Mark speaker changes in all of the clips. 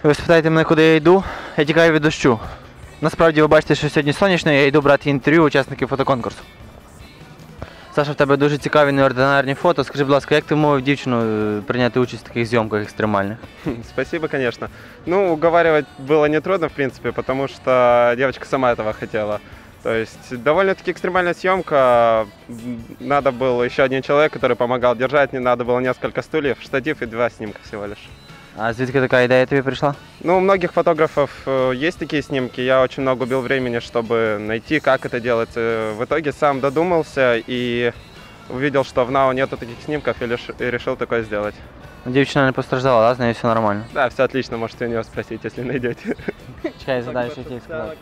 Speaker 1: Ви спитаєте мене, куди я йду? Я тікаю від дощу. Насправді ви бачите, що сьогодні сонячно, я йду брати інтерв'ю учасників фотоконкурсу. Саша, в тебе дуже цікаві неординарні фото. Скажи, будь ласка, як ти вмовив дівчину прийняти участь в таких зйомках екстремальних?
Speaker 2: Спасибо, конечно. Ну, уговаривать было нетрудно, в принципе, потому что девочка сама этого хотела. То есть довольно-таки экстремальная съемка. Надо был еще один человек, который помогал держать. Не надо было несколько стульев, штатив и 2 снимка всего лишь.
Speaker 1: А звідки така ідея тобі прийшла?
Speaker 2: Ну, у многих фотографов есть такие снимки. Я очень много убил времени, чтобы найти, как это делать. В итоге сам додумался и увидел, что в НАУ нету таких снимков и решил такое сделать.
Speaker 1: Дівчина не постраждала, да? З нею все нормально?
Speaker 2: Да, все отлично, можете у нее спросить, если найдете.
Speaker 1: Чекай, задай, що хотів сказати.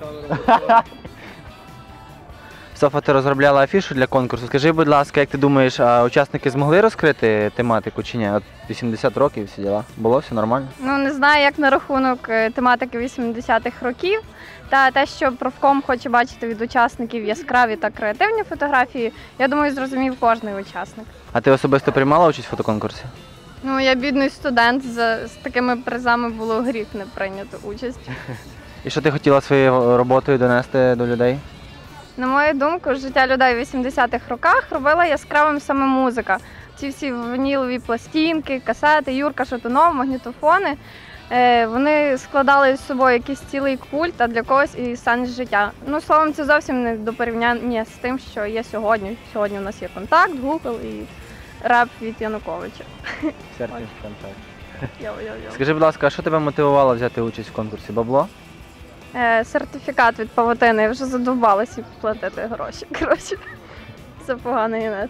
Speaker 1: Софа, ти розробляла афішу для конкурсу. Скажи, будь ласка, як ти думаєш, а учасники змогли розкрити тематику чи ні? От 80 років всі діла. Було все нормально?
Speaker 3: Ну, не знаю, як на рахунок тематики 80-х років. Та те, що профком хоче бачити від учасників яскраві та креативні фотографії, я думаю, зрозумів кожний учасник.
Speaker 1: А ти особисто приймала участь в фотоконкурсі?
Speaker 3: Ну, я бідний студент, з такими призами було гріх не прийняти участь.
Speaker 1: І що ти хотіла своєю роботою донести до людей?
Speaker 3: На мою думку, життя людей в 80-х роках робила яскравим саме музика. Ці всі вінілові пластинки, касети, Юрка Шатунов, магнітофони. Вони складали з собою якийсь цілий культ, а для когось і сенс життя. Ну, словом, це зовсім не до порівняння з тим, що є сьогодні. Сьогодні у нас є контакт, Google і реп від Януковича.
Speaker 1: Серфінг контакт.
Speaker 3: Йо-йо-йо.
Speaker 1: Скажи, будь ласка, а що тебе мотивувало взяти участь в конкурсі? Бабло?
Speaker 3: Сертифікат від павутини, я вже задовбалася платити гроші. Коротше, це поганий інет.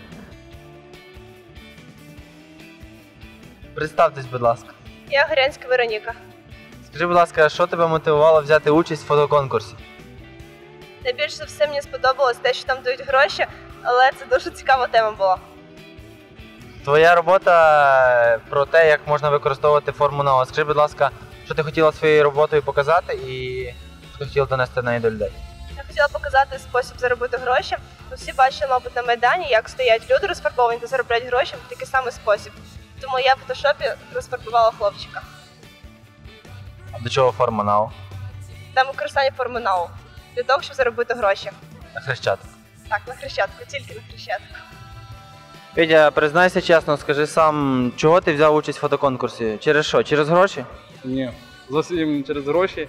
Speaker 1: Представтесь, будь ласка.
Speaker 4: Я Горянська Вероніка.
Speaker 1: Скажи, будь ласка, що тебе мотивувало взяти участь в фотоконкурсі?
Speaker 4: Найбільше за все мені сподобалось те, що там дають гроші, але це дуже цікава тема була.
Speaker 1: Твоя робота про те, як можна використовувати форму НАО. Скажи, будь ласка, що ти хотіла своєю роботою показати і що ти хотіла донести неї до людей?
Speaker 4: Я хотіла показати спосіб заробити гроші. Всі бачили, мабуть, на Майдані, як стоять люди розфарбовані та заробляють гроші в такий самий спосіб. Тому я в фотошопі розфарбувала хлопчика.
Speaker 1: А до чого форма НАО?
Speaker 4: Там використання форми НАУ для того, щоб заробити гроші.
Speaker 1: На Хрещатик.
Speaker 4: Так, на Хрещатику, тільки на Хрещатику.
Speaker 1: Петя, признайся чесно, скажи сам, чого ти взяв участь в фотоконкурсі? Через що? Через гроші?
Speaker 5: Ні, зовсім через гроші.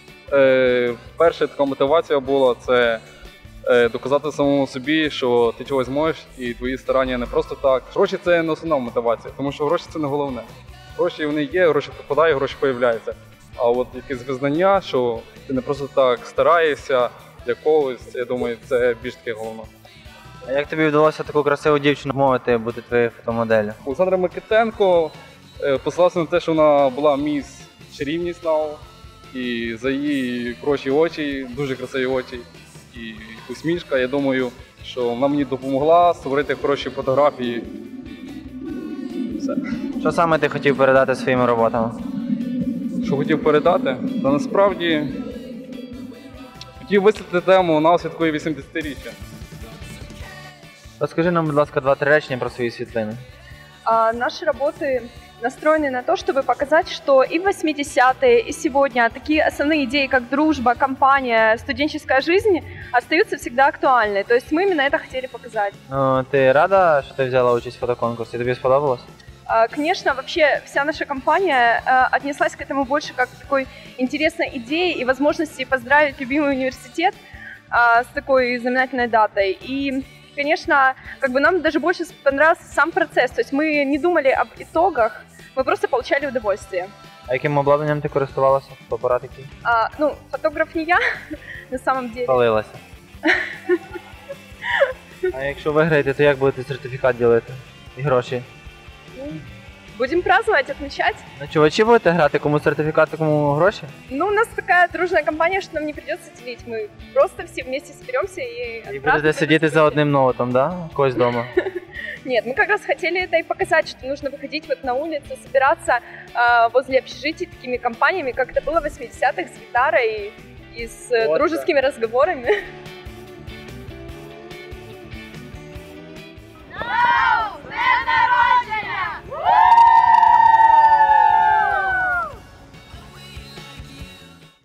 Speaker 5: Перша така мотивація була – це доказати самому собі, що ти чогось можеш і твої старання не просто так. Гроші – це не основна мотивація, тому що гроші – це не головне. Гроші вони є, гроші попадають, гроші з'являються. А от якесь визнання, що ти не просто так стараєшся для когось, я думаю, це більш таке головне.
Speaker 1: А як тобі вдалося таку красиву дівчину вмовити бути твоєю фотомоделлю?
Speaker 5: Олександра Микитенко послалася на те, що вона була міс чарівність НАУ, і за її хороші очі, дуже красиві очі і усмішка, я думаю, що вона мені допомогла створити хороші фотографії. Все.
Speaker 1: Що саме ти хотів передати своїми роботами?
Speaker 5: Що хотів передати? Та насправді хотів висвітлити тему НАУ святкує 80-річчя.
Speaker 1: Розкажи нам, будь ласка, 2-3 речення про свої світлини.
Speaker 6: Наши работы настроены на то, чтобы показать, что и в 80-е, и сегодня такие основные идеи, как дружба, компания, студенческая жизнь, остаются всегда актуальны. То есть мы именно это хотели показать.
Speaker 1: Ну, ти рада, що ти взяла участь в фотоконкурсі? Тобі сподобалось?
Speaker 6: Конечно, вообще вся наша компания отнеслась к этому больше как к такой интересной идее и возможности поздравить любимый университет с такой знаменательной датой. И, конечно, нам даже больше понравился сам процесс. То есть мы не думали об итогах, мы просто получали удовольствие.
Speaker 1: А яким обладнанням ти користувалася? Фотоапарат який?
Speaker 6: Фотограф не я, на самом деле.
Speaker 1: Палилася. А якщо виграєте, то як будете сертифікат ділити? І гроші?
Speaker 6: Будем праздновать, отмечать.
Speaker 1: На чувачі будете грати? Кому сертифікат, кому гроші?
Speaker 6: Ну, у нас такая дружная компания, что нам не придется делить. Мы просто все вместе соберемся и
Speaker 1: І будете сидіти за одним ноутом, да? У когось вдома?
Speaker 6: Нет, мы как раз хотели это и показать, что нужно выходить вот на улицу, собираться возле общежитий такими компаниями, как это было в 80-х с гитарой и с дружескими разговорами.